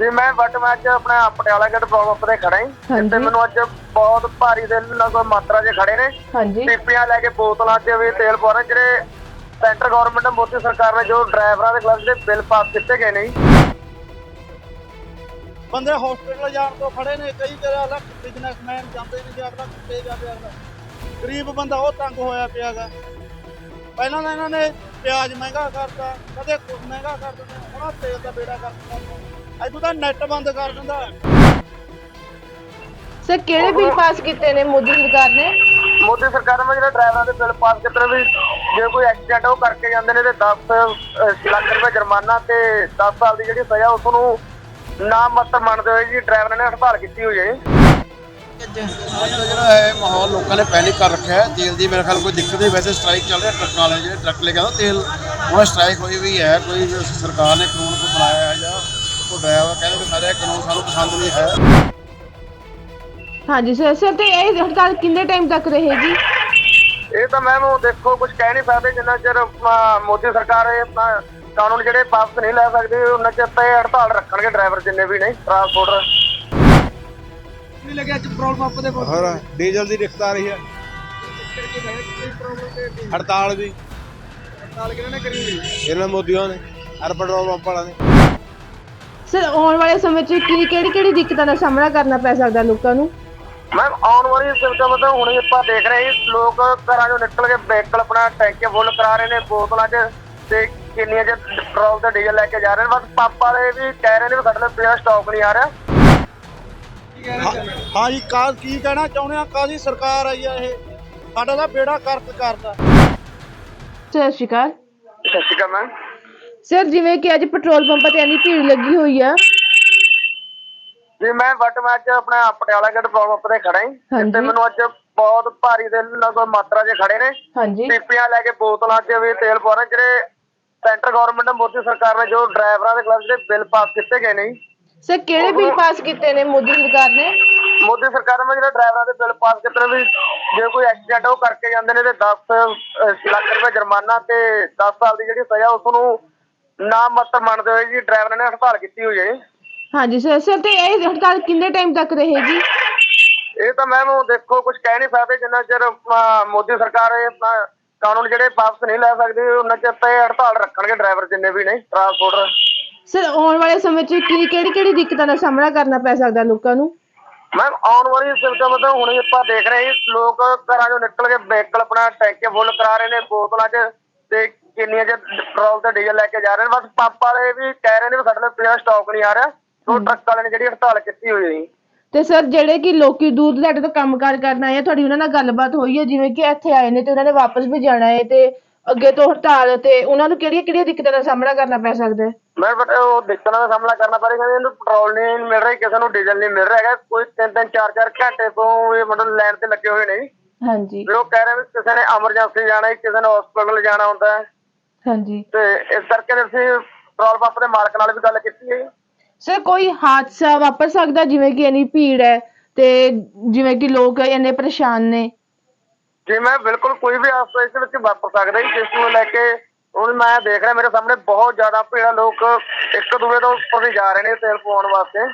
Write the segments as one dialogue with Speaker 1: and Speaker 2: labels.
Speaker 1: ਜੀ ਮੈਂ ਬਟ ਮੈਂ ਅੱਜ ਆਪਣੇ ਪਟਿਆਲਾ ਗੇਟ ਪੰਪ ਤੇ ਖੜਾ ਹਾਂ ਜਿੱਥੇ ਮੈਨੂੰ ਅੱਜ ਬਹੁਤ ਭਾਰੀ ਦੇ ਲਗਭਗ ਮਾਤਰਾ 'ਚ ਖੜੇ ਨੇ ਪੀਪੀਆਂ ਲੈ ਕੇ ਬੋਤਲਾਂ 'ਚ ਵੀ ਤੇਲ ਪਾ ਰਹੇ ਜਿਹੜੇ ਸੈਂਟਰ ਗਵਰਨਮੈਂਟ ਮੋਦੀ ਸਰਕਾਰ ਨੇ ਜੋ ਡਰਾਈਵਰਾਂ ਦੇ ਖਿਲਾਫ ਜਿਹੜੇ ਬਿੱਲ ਪਾਸ ਕੀਤੇ ਗਏ ਨੇ
Speaker 2: ਬੰਦੇ ਹਸਪੀਟਲ ਜਾਣ ਤੋਂ ਖੜੇ ਨੇ ਕਈ ਜਗ੍ਹਾ ਬਿਜ਼ਨਸਮੈਨ ਜਾਂਦੇ ਨੇ ਜੇ ਅਗਲਾ ਕਿੱਥੇ ਜਾਵੇ ਅਗਲਾ ਗਰੀਬ ਬੰਦਾ ਉਹ ਤੰਗ ਹੋਇਆ ਪਿਆ ਗਾ। ਪਹਿਲਾਂ ਤਾਂ ਇਹਨਾਂ ਨੇ ਪਿਆਜ਼ ਮਹਿੰਗਾ ਕਰਤਾ ਕਦੇ ਕੁਝ ਮਹਿੰਗਾ ਕਰ ਦਿੰਦੇ ਹੁਣ ਤੇਲ ਦਾ ਬੇੜਾ ਕਰਤਾ ਅੱਜ ਤਾਂ ਨੈਟ ਬੰਦ ਕਰ ਦਿੰਦਾ।
Speaker 3: ਸਰ ਕਿਹੜੇ ਬਿੱਲ ਪਾਸ ਕੀਤੇ ਨੇ ਮੋਦੀ ਸਰਕਾਰ ਨੇ?
Speaker 1: ਮੋਦੀ ਸਰਕਾਰ ਨੇ ਜਿਹੜੇ ਡਰਾਈਵਰਾਂ ਦੇ ਬਿੱਲ ਪਾਸ ਕੀਤੇ ਵੀ ਜੇ ਕੋਈ ਐਕਸੀਡੈਂਟ ਉਹ ਕਰਕੇ ਜਾਂਦੇ ਨੇ ਤੇ 10 ਲੱਖ ਰੁਪਏ ਜੁਰਮਾਨਾ ਤੇ 10 ਸਾਲ ਦੀ ਜਿਹੜੀ ਸਜ਼ਾ ਉਸ ਨੂੰ ਨਾ ਮਤ ਮੰਨਦੇ ਹੋਏ ਜੀ ਡਰਾਈਵਰਾਂ ਨੇ ਹੜਤਾਲ ਕੀਤੀ ਹੋਈ ਹੈ।
Speaker 4: ਜਿਹੜਾ ਹੈ ਮਾਹੌਲ ਲੋਕਾਂ ਨੇ ਪੈਨਿਕ ਕਰ ਰੱਖਿਆ ਹੈ। ਤੇਲ ਦੀ ਮੇਰੇ ਖਿਆਲ ਕੋਈ ਦਿੱਕਤ ਨਹੀਂ, ਵੈਸੇ ਸਟ੍ਰਾਈਕ ਚੱਲ ਰਿਹਾ ਟਰੱਕ ਵਾਲੇ ਜਿਹੜੇ ਟਰੱਕ ਲੈ ਕੇ ਆਉਂਦੇ ਤੇਲ ਉਹਨਾਂ ਸਟ੍ਰਾਈਕ ਹੋਈ ਵੀ ਹੈ। ਕੋਈ ਸਰਕਾਰ ਨੇ ਕਾਨੂੰਨ ਕੋ ਬਣਾਇਆ ਹੈ ਜਾਂ ਕੋਈ ਡਰਾਈਵਰ ਕਹਿੰਦੇ ਕਿ ਸਾਰੇ ਕਾਨੂੰਨ ਸਾਨੂੰ ਪਸੰਦ ਨਹੀਂ ਹੈ।
Speaker 3: ਹਾਂਜੀ ਸਰ ਸਰ ਤੇ ਇਹ ਹੜਤਾਲ ਕਿੰਨੇ ਟਾਈਮ ਤੱਕ ਰਹੇਗੀ?
Speaker 1: ਇਹ ਤਾਂ ਮੈਮ ਦੇਖੋ ਕੁਝ ਕਹਿ ਨਹੀਂ ਸਕਦੇ ਜਿੰਨਾ ਚਿਰ ਮੋਦੀ ਸਰਕਾਰ ਇਹ ਕਾਨੂੰਨ ਜਿਹੜੇ ਵਾਪਸ ਨਹੀਂ ਲੈ ਸਕਦੇ ਉਹਨਾਂ ਚਿਰ ਤਾਂ ਇਹ ਹੜਤਾਲ ਰੱਖਣਗੇ ਡਰਾਈਵਰ ਜਿੰਨੇ ਵੀ ਨੇ ਟਰਾਂਸਪੋਰਟਰ।
Speaker 2: ਨਹੀਂ ਲੱਗਿਆ ਅੱਜ ਪੈਟਰੋਲ ਪੰਪ ਦੇ
Speaker 5: ਹੋਰ ਡੀਜ਼ਲ ਦੀ ਦਿੱਕਤ ਆ ਰਹੀ ਹੈ, ਹੜਤਾਲ ਦੀ
Speaker 2: ਕਿਹਨਾਂ ਨੇ ਕਰੀ
Speaker 5: ਇਹਨਾਂ ਮੋਦੀਆਂ ਨੇ ਹਰ ਪੈਟਰੋਲ ਪੰਪ ਵਾਲਾ ਨੇ।
Speaker 3: ਸਰ ਆਉਣ ਵਾਲੇ ਸਮੇਂ 'ਚ ਕਿਹੜੀ ਦਿੱਕਤਾਂ ਦਾ ਸਾਹਮਣਾ ਕਰਨਾ ਪੈ ਸਕਦਾ ਲੋਕਾਂ ਨੂੰ?
Speaker 1: ਮੈਮ ਆਉਣ ਵਾਲੀ ਸਿਸਟਮ ਮਤਲਬ ਹੁਣ ਆਪਾਂ ਦੇਖ ਰਹੇ ਹਾਂ ਲੋਕ ਘਰਾਂ ਚੋਂ ਨਿਕਲ ਕੇ ਵਹੀਕਲ ਆਪਣਾ ਟੈਂਕੇ ਫੁੱਲ ਕਰਾ ਰਹੇ ਨੇ ਬੋਤਲਾਂ 'ਚ ਤੇ ਕਿੰਨੀਆਂ 'ਚ ਪੈਟਰੋਲ ਤੇ ਡੀਜ਼ਲ ਲੈ ਕੇ ਜਾ ਰਹੇ ਨੇ। ਬਸ ਪੰਪ ਵਾਲੇ ਵੀ ਕਹਿ ਰਹੇ ਨੇ ਵੀ ਸਾਡੇ ਲਈ ਪਿਆ ਸਟਾਕ ਨਹੀਂ ਆ ਰਿਹਾ।
Speaker 2: ਹਾਂ ਜੀ ਕੀ ਕਹਿਣਾ ਚਾਹੁੰਦੇ ਆ? ਕਾਹਦੀ ਸਰਕਾਰ ਆਈ ਆ ਇਹ? ਸਾਡਾ ਤਾਂ ਬੇੜਾ ਕਰਕ ਕਰਦਾ।
Speaker 3: ਸਤਿ ਸ਼੍ਰੀ ਅਕਾਲ।
Speaker 1: ਸਤਿ ਸ਼੍ਰੀ ਅਕਾਲ ਮੈਮ।
Speaker 3: ਸਰ ਜਿਵੇਂ ਕਿ ਅੱਜ ਪੈਟਰੋਲ ਪੰਪਾਂ ਤੇ ਇੰਨੀ ਭੀੜ ਲੱਗੀ ਹੋਈ ਆ
Speaker 1: ਜੀ ਮੈਂ ਅੱਜ ਆਪਣੇ ਪਟਿਆਲਾ ਗੇਟ ਪੰਪ ਤੇ ਖੜਾ ਹਾਂ ਜਿੱਥੇ ਮੈਨੂੰ ਅੱਜ ਬਹੁਤ ਭਾਰੀ ਦੇ ਲਗਭਗ ਮਾਤਰਾ 'ਚ ਖੜੇ ਨੇ ਪੀਪੀਆਂ ਲੈ ਕੇ ਬੋਤਲਾਂ 'ਚ ਵੀ ਤੇਲ ਪਾ ਰਹੇ ਜਿਹੜੇ ਸੈਂਟਰ ਗਵਰਨਮੈਂਟ ਮੋਦੀ ਸਰਕਾਰ ਨੇ ਜੋ ਡਰਾਈਵਰਾਂ ਦੇ ਖਿਲਾਫ ਜਿਹੜੇ ਬਿੱਲ ਪਾਸ ਕੀਤੇ ਗਏ ਨੇ।
Speaker 3: ਸਰ ਕਿਹੜੇ ਬਿੱਲ ਪਾਸ ਕੀਤੇ ਨੇ ਮੋਦੀ ਸਰਕਾਰ ਨੇ?
Speaker 1: ਮੋਦੀ ਸਰਕਾਰ ਨੇ ਜਿਹੜੇ ਡਰਾਈਵਰਾਂ ਦੇ ਬਿੱਲ ਪਾਸ ਕੀਤੇ ਨੇ ਵੀ ਜੇ ਕੋਈ ਐਕਸੀਡੈਂਟ ਉਹ ਕਰਕੇ ਜਾਂਦੇ ਨੇ ਤੇ 10 ਲੱਖ ਰੁਪਏ ਜੁਰਮਾਨਾ ਤੇ 10 ਸਾਲ ਦੀ ਜਿਹੜੀ ਸਜ਼ਾ ਉਸ ਨੂੰ ਨਾ ਮਤ ਮੰਨਦੇ ਹੋਏ ਜੀ ਡਰਾਈਵਰਾਂ ਨੇ ਹੜਤਾਲ ਕੀਤੀ ਹੋਈ ਹੈ।
Speaker 3: ਹਾਂਜੀ ਸਰ ਸਰ ਤੇ ਇਹ ਹੜਤਾਲ ਕਿੰਨੇ ਟਾਈਮ ਤੱਕ ਰਹੇਗੀ?
Speaker 1: ਇਹ ਤਾਂ ਮੈਮ ਦੇਖੋ ਕੁਝ ਕਹਿ ਨਹੀਂ ਸਕਦੇ ਜਿੰਨਾ ਚਿਰ ਮੋਦੀ ਸਰਕਾਰ ਇਹ ਕਾਨੂੰਨ ਜਿਹੜੇ ਵਾਪਸ ਨਹੀਂ ਲੈ ਸਕਦੀ ਉਹਨਾਂ ਚਿਰ ਤਾਂ ਇਹ ਹੜਤਾਲ ਰੱਖਣਗੇ ਡਰਾਈਵਰ ਜਿੰਨੇ ਵੀ ਨੇ ਟਰਾਂਸਪੋਰਟਰ।
Speaker 3: ਸਰ ਆਉਣ ਵਾਲੇ ਸਮੇਂ 'ਚ ਕਿਹੜੀ ਦਿੱਕਤਾਂ ਦਾ ਸਾਹਮਣਾ ਕਰਨਾ ਪੈ ਸਕਦਾ ਲੋਕਾਂ ਨੂੰ?
Speaker 1: ਮੈਮ ਆਉਣ ਵਾਲੀ ਸਿਸਟਮ ਮਤਲਬ ਹੁਣ ਆਪਾਂ ਦੇਖ ਰਹੇ ਹਾਂ ਲੋਕ ਘਰਾਂ ਚੋਂ ਨਿਕਲ ਕੇ ਵਹੀਕਲ ਆਪਣਾ ਟੈਂਕੇ ਫੁੱਲ ਕਰਾ ਰਹੇ ਨੇ ਬੋਤਲਾਂ 'ਚ ਤੇ ਕਿੰਨੀਆਂ 'ਚ ਪੈਟਰੋਲ ਤੇ ਡੀਜ਼ਲ ਲੈ ਕੇ ਜਾ ਰਹੇ ਨੇ। ਬਸ ਪੰਪ ਵਾਲੇ ਵੀ ਕਹਿ ਰਹੇ ਨੇ ਵੀ ਸਾਡੇ ਲਈ ਪਿਆ ਸਟਾਕ ਨਹੀਂ ਆ ਰਿਹਾ। ਉਹ ਟਰੱਕ ਵਾਲੇ ਨੇ ਜਿਹੜੀ ਹੜਤਾਲ ਕੀਤੀ ਹੋਈ ਹੈ।
Speaker 3: ਤੇ ਸਰ ਜਿਹੜੇ ਕਿ ਲੋਕੀ ਦੂਰ ਦਰਾਡੇ ਤੋਂ ਕੰਮਕਾਰ ਕਰਨ ਆਏ ਆ ਤੁਹਾਡੀ ਉਹਨਾਂ ਨਾਲ ਗੱਲਬਾਤ ਹੋਈ ਹੈ ਜਿਵੇਂ ਕਿ ਇੱਥੇ ਆਏ ਨੇ ਤੇ ਉਹਨਾਂ ਨੇ ਵਾਪਸ ਵੀ ਜਾਣਾ ਹੈ ਤੇ ਅੱਗੇ ਤੋਂ ਹੜਤਾਲ ਤੇ ਉਹਨਾਂ ਨੂੰ ਕਿਹੜੀਆਂ ਦਿੱਕਤਾਂ ਦਾ ਸਾਹਮਣਾ ਕਰਨਾ ਪੈ ਸਕਦਾ ਹੈ?
Speaker 1: ਮੈਂ ਬਟ ਉਹ ਦਿੱਕਤਾਂ ਦਾ ਸਾਹਮਣਾ ਕਰਨਾ ਪੈ ਰਿਹਾ ਇਹਨੂੰ ਪੈਟਰੋਲ ਨਹੀਂ ਮਿਲ ਰਿਹਾ ਕਿਸੇ ਨੂੰ ਡੀਜ਼ਲ ਨਹੀਂ ਮਿਲ ਰਿਹਾ ਹੈਗਾ। ਕੋਈ 3-3 4-4 ਘੰਟੇ ਤੋਂ ਇਹ ਮਤਲਬ ਲਾਈਨ ਤੇ ਲੱਗੇ ਹੋਏ ਨੇ।
Speaker 3: ਹਾਂਜੀ
Speaker 1: ਲੋਕ ਕਹਿ ਰਹੇ ਵੀ ਕਿਸੇ ਨੇ ਐਮਰਜੈਂਸੀ ਜਾਣਾ ਹੈ ਕਿਸੇ ਨੇ ਹਸਪੀਟਲ ਜਾਣਾ ਹੁੰਦਾ ਹੈ।
Speaker 3: ਹਾਂਜੀ
Speaker 1: ਤੇ ਇਸ ਕਰਕੇ ਅਸੀਂ ਪੈਟਰੋਲ ਪੰਪ ਦੇ ਮਾਲਕ ਨਾਲ ਵੀ ਗੱਲ ਕੀਤੀ ਹੈ।
Speaker 3: ਸਰ ਕੋਈ ਹਾਦਸਾ ਵਾਪਰ ਸਕਦਾ ਜਿਵੇਂ ਕਿ ਇੰਨੀ ਭੀੜ ਹੈ ਤੇ ਜਿਵੇਂ ਕਿ ਲੋਕ ਇੰਨੇ ਪਰੇਸ਼ਾਨ ਨੇ?
Speaker 1: ਜੀ ਮੈਂ ਬਿਲਕੁਲ ਕੋਈ ਵੀ ਹਾਦਸਾ ਇਸ ਵਿੱਚ ਵਾਪਰ ਸਕਦਾ ਜੀ ਜਿਸ ਨੂੰ ਲੈ ਕੇ ਹੁਣ ਮੈਂ ਦੇਖ ਰਿਹਾ ਮੇਰੇ ਸਾਹਮਣੇ ਬਹੁਤ ਜ਼ਿਆਦਾ ਭੀੜ ਹੈ। ਲੋਕ ਇੱਕ ਦੂਜੇ ਤੋਂ ਉੱਪਰ ਦੀ ਜਾ ਰਹੇ ਨੇ ਤੇਲ ਪਵਾਉਣ ਵਾਸਤੇ।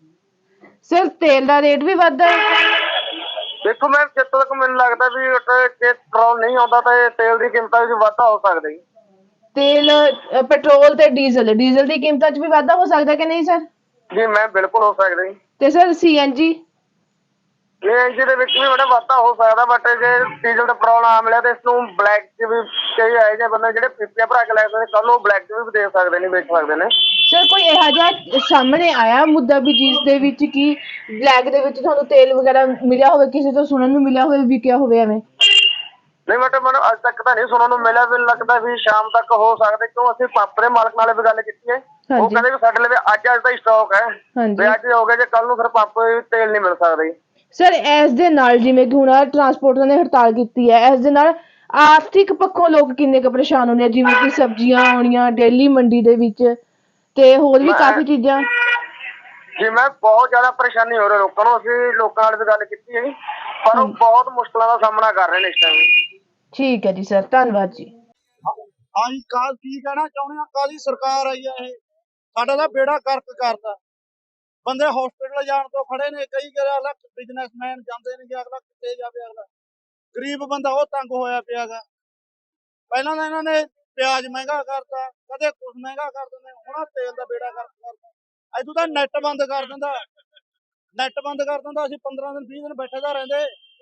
Speaker 3: ਸਰ ਤੇਲ ਦਾ ਰੇਟ ਵੀ ਵੱਧਦਾ ਹੈ?
Speaker 1: ਦੇਖੋ ਮੈਂ ਜਿੱਥੋਂ ਤੱਕ ਮੈਨੂੰ ਲੱਗਦਾ ਵੀ ਜੇ ਪੈਟਰੋਲ ਨਹੀਂ ਆਉਂਦਾ ਤਾਂ ਇਹ ਤੇਲ ਦੀ ਕੀਮਤਾਂ ਵਿੱਚ ਵਾਧਾ ਹੋ ਸਕਦਾ ਜੀ।
Speaker 3: ਤੇਲ ਪੈਟਰੋਲ ਤੇ ਡੀਜ਼ਲ ਦੀ ਕੀਮਤਾਂ 'ਚ ਵੀ ਵਾਧਾ ਹੋ ਸਕਦਾ ਕਿ ਨਹੀਂ ਸਰ?
Speaker 1: ਜੀ ਮੈਂ ਬਿਲਕੁਲ ਹੋ ਸਕਦਾ ਜੀ।
Speaker 3: ਤੇ ਸਰ ਸੀਐਨਜੀ
Speaker 1: ਸੀਐਨਜੀ ਦੇ ਵਿੱਚ ਵੀ ਬੜਾ ਵਾਧਾ ਹੋ ਸਕਦਾ ਬਟ ਜੇ ਡੀਜ਼ਲ ਦਾ ਪੈਟਰੋਲ ਆ ਮਿਲਿਆ ਤੇ ਇਸ ਨੂੰ ਬਲੈਕ 'ਚ ਵੀ ਕਈ ਇਹੋ ਜਿਹੇ ਬੰਦੇ ਜਿਹੜੇ ਪੀਪੀਆਂ ਭਰਾ ਕੇ ਲੈ ਸਕਦੇ ਕੱਲ ਨੂੰ ਬਲੈਕ 'ਚ ਵੀ ਦੇ ਸਕਦੇ ਨੇ ਵੇਚ ਸਕਦੇ ਨੇ।
Speaker 3: ਸਰ ਕੋਈ ਇਹੋ ਜਿਹਾ ਸਾਹਮਣੇ ਆਇਆ ਮੁੱਦਾ ਵੀ ਜਿਸ ਦੇ ਵਿੱਚ ਕਿ ਬਲੈਕ ਦੇ ਵਿੱਚ ਤੁਹਾਨੂੰ ਤੇਲ ਵਗੈਰਾ ਮਿਲਿਆ ਹੋਵੇ ਕਿਸੇ ਤੋਂ ਸੁਣਨ ਨੂੰ ਮਿਲਿਆ ਹੋਵੇ ਵਿਕਿਆ ਹੋਵੇ ਐਵੇਂ?
Speaker 1: ਨਹੀਂ ਬਟ ਮੈਨੂੰ ਅੱਜ ਤੱਕ ਤਾਂ ਨਹੀਂ ਸੁਣਨ ਨੂੰ ਮਿਲਿਆ। ਮੈਨੂੰ ਲੱਗਦਾ ਵੀ ਸ਼ਾਮ ਤੱਕ ਹੋ ਸਕਦਾ ਕਿਉਂ ਅਸੀਂ ਪੰਪ ਦੇ ਮਾਲਕ ਨਾਲ ਵੀ ਗੱਲ ਕੀਤੀ ਹੈ। ਉਹ ਕਹਿੰਦੇ ਵੀ ਸਾਡੇ ਲਈ ਅੱਜ ਦਾ ਹੀ ਸਟਾਕ ਹੈ ਵੀ ਅੱਜ ਹੋ ਗਿਆ ਜੇ ਕੱਲ ਨੂੰ ਫਿਰ ਪੰਪ ਤੇਲ ਨਹੀਂ ਮਿਲ ਸਕਦਾ।
Speaker 3: ਸਰ ਇਸ ਦੇ ਨਾਲ ਜਿਵੇਂ ਕਿ ਹੁਣ ਟਰਾਂਸਪੋਰਟਰ ਨੇ ਹੜਤਾਲ ਕੀਤੀ ਹੈ ਇਸ ਦੇ ਨਾਲ ਆਰਥਿਕ ਪੱਖੋਂ ਲੋਕ ਕਿੰਨੇ ਕੁ ਪਰੇਸ਼ਾਨ ਹੁੰਦੇ ਆ ਜਿਵੇਂ ਕਿ ਸਬਜ਼ੀਆਂ ਆਉਣੀਆਂ ਡੇਲੀ ਮੰਡੀ ਦੇ ਵਿੱਚ ਤੇ ਹੋਰ ਵੀ ਕਾਫੀ ਚੀਜ਼ਾਂ?
Speaker 1: ਜੀ ਮੈਂ ਬਹੁਤ ਜ਼ਿਆਦਾ ਪਰੇਸ਼ਾਨੀ ਹੋ ਰਹੀ ਲੋਕਾਂ ਨੂੰ। ਅਸੀਂ ਲੋਕਾਂ ਨਾਲ ਵੀ ਗੱਲ ਕੀਤੀ ਹੈ ਪਰ ਉਹ ਬਹੁਤ ਮੁਸ਼ਕਲਾਂ ਦਾ ਸਾਹਮਣਾ ਕਰ ਰਹੇ ਨੇ ਇਸ ਟਾਈਮ।
Speaker 3: ਠੀਕ ਹੈ ਜੀ ਸਰ ਧੰਨਵਾਦ ਜੀ।
Speaker 2: ਹਾਂ ਜੀ ਕੀ ਕਹਿਣਾ ਚਾਹੁੰਦੇ ਆ? ਕਾਹਦੀ ਸਰਕਾਰ ਆਈ ਆ ਇਹ? ਸਾਡਾ ਤਾਂ ਬੇੜਾ ਕਰਕ ਕਰਦਾ। ਬੰਦੇ ਹਸਪੀਟਲ ਜਾਣ ਤੋਂ ਖੜੇ ਨੇ, ਕਈ ਅਗਲਾ ਬਿਜ਼ਨਸਮੈਨ ਜਾਂਦੇ ਨੇ, ਅਗਲਾ ਕਿੱਥੇ ਜਾਵੇ, ਅਗਲਾ ਗਰੀਬ ਬੰਦਾ ਉਹ ਤੰਗ ਹੋਇਆ ਪਿਆਗਾ। ਪਹਿਲਾਂ ਤਾਂ ਇਹਨਾਂ ਨੇ ਪਿਆਜ਼ ਮਹਿੰਗਾ ਕਰਤਾ, ਕਦੇ ਕੁਛ ਮਹਿੰਗਾ ਕਰ ਦਿੰਦੇ, ਹੁਣ ਤੇਲ ਦਾ ਬੇੜਾ ਕਰਤਾ। ਇਦੋਂ ਤਾਂ ਨੈਟ ਬੰਦ ਕਰ ਦਿੰਦਾ, ਅਸੀਂ 15 ਦਿਨ 20 ਦਿਨ ਬੈਠੇ ਦਾ ਰਹਿੰਦੇ।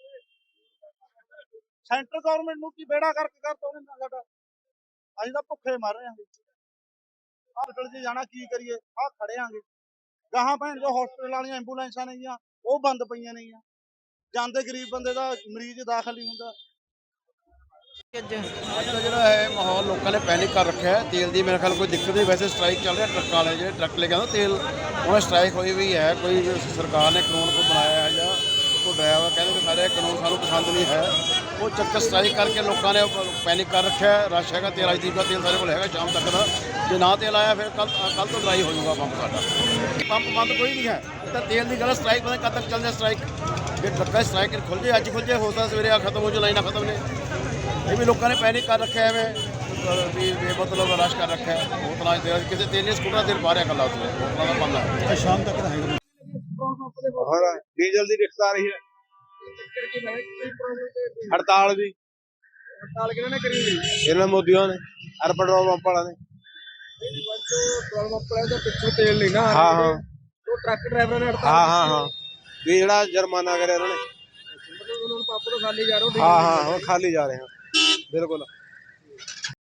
Speaker 2: ਸੈਂਟਰ ਗਵਰਨਮੈਂਟ ਨੂੰ ਕੀ ਬੇੜਾ ਕਰਕੇ ਕਰਤਾ ਉਹਨੇ ਸਾਡਾ, ਅਸੀਂ ਤਾਂ ਭੁੱਖੇ ਮਰ ਰਹੇ ਹਾਂ। ਹਸਪੀਟਲ 'ਚ ਜਾਣਾ ਕੀ ਕਰੀਏ, ਆਹ ਖੜੇ ਆਂਗੇ ਗਾਹਾਂ ਭੈਣ ਜੋ ਹਸਪੀਟਲ ਵਾਲੀਆਂ ਐਂਬੂਲੈਂਸਾਂ ਨੇਗੀਆਂ ਉਹ ਬੰਦ ਪਈਆਂ ਨੇਗੀਆਂ, ਜਾਂਦੇ ਗਰੀਬ ਬੰਦੇ ਦਾ ਮਰੀਜ਼ ਦਾਖਲ ਨਹੀਂ ਹੁੰਦਾ।
Speaker 4: ਅੱਜ ਦਾ ਜਿਹੜਾ ਹੈ ਮਾਹੌਲ ਲੋਕਾਂ ਨੇ ਪੈਨਿਕ ਕਰ ਰੱਖਿਆ ਹੈ। ਤੇਲ ਦੀ ਮੇਰੇ ਖਿਆਲ ਕੋਈ ਦਿੱਕਤ ਨਹੀਂ, ਵੈਸੇ ਸਟ੍ਰਾਈਕ ਚੱਲ ਰਿਹਾ ਟਰੱਕਾਂ ਵਾਲੇ, ਜਿਹੜੇ ਟਰੱਕ ਲੈ ਕੇ ਆਉਂਦੇ ਤੇਲ, ਉਹਨਾਂ ਸਟ੍ਰਾਈਕ ਹੋਈ ਵੀ ਹੈ। ਕੋਈ ਸਰਕਾਰ ਨੇ ਕਾਨੂੰਨ ਕੋਈ ਬਣਾਇਆ ਹੈ ਜਾਂ ਕੋਈ ਡਰਾਈਵਰ ਕਹਿੰਦੇ ਕਿ ਸਾਰੇ ਕਾਨੂੰਨ ਸਾਨੂੰ ਪਸੰਦ ਨਹੀਂ ਹੈ, ਉਹ ਚੱਕਰ ਸਟ੍ਰਾਈਕ ਕਰਕੇ ਲੋਕਾਂ ਨੇ ਪੈਨਿਕ ਕਰ ਰੱਖਿਆ ਹੈ। ਰਸ਼ ਹੈਗਾ ਤੇਲ, ਰਾਜਦੀਪ ਦਾ ਤੇਲ ਸਾਡੇ ਕੋਲ ਹੈਗਾ ਸ਼ਾਮ ਤੱਕ ਦਾ, ਜੇ ਨਾ ਤੇਲ ਆਇਆ ਫਿਰ ਕੱਲ ਤੋਂ ਡਰਾਈ ਹੋ ਜਾਊਗਾ ਪੰਪ ਸਾਡਾ। ਪੰਪ ਬੰਦ ਕੋਈ ਨਹੀਂ ਹੈ, ਤਾਂ ਤੇਲ ਦੀ ਗੱਲ ਸਟ੍ਰਾਈਕ ਪਤਾ ਕਦ ਤੱਕ ਚੱਲਦੇ ਸਟ੍ਰਾਈਕ, ਜੇ ਟਰੱਕਾਂ ਦੀ ਸਟ੍ਰਾਈਕ ਖੁੱਲ੍ਹ ਜੇ, ਅੱਜ ਖੁੱਲ੍ਹ ਜੇ, ਹੋ ਸਕਦਾ ਸਵੇਰੇ ਆ ਖਤਮ ਹੋ ਜਾਏ, ਲਾਈਨਾਂ ਖਤਮ ਨੇ। ਇਹ ਵੀ ਲੋਕਾਂ ਨੇ ਪੈਨਿਕ ਕਰ ਰੱਖਿਆ ਐਵੇਂ ਵੀ ਬੇਮਤਲਬ ਰਸ਼ ਕਰ ਰੱਖਿਆ ਹੈ। ਬੋਤਲਾਂ ਕਿਸੇ ਤੇਲ ਨਹੀਂ, ਸਕੂਟਰਾਂ ਤੇਲ ਬਾਹਰ ਇਕੱਲਾ ਉੱਥੇ ਬੋਤਲਾਂ ਦਾ ਬੰਦ ਹੈ ਸ਼ਾਮ ਤੱਕ ਰਹੇਗਾ।
Speaker 5: और डीजल की दिक्कत आ रही है, हड़ताल भी इन्होंने मोदियों ने और पेट्रोल पंप वाला ने। हाँ हाँ
Speaker 1: ट्रक ड्राइवर ने
Speaker 5: हाँ भी जरा जुर्माना करे उन्होंने।
Speaker 1: पंप तो खाली जा रहे हो।
Speaker 5: हाँ वो खाली जा रहे हैं बिल्कुल।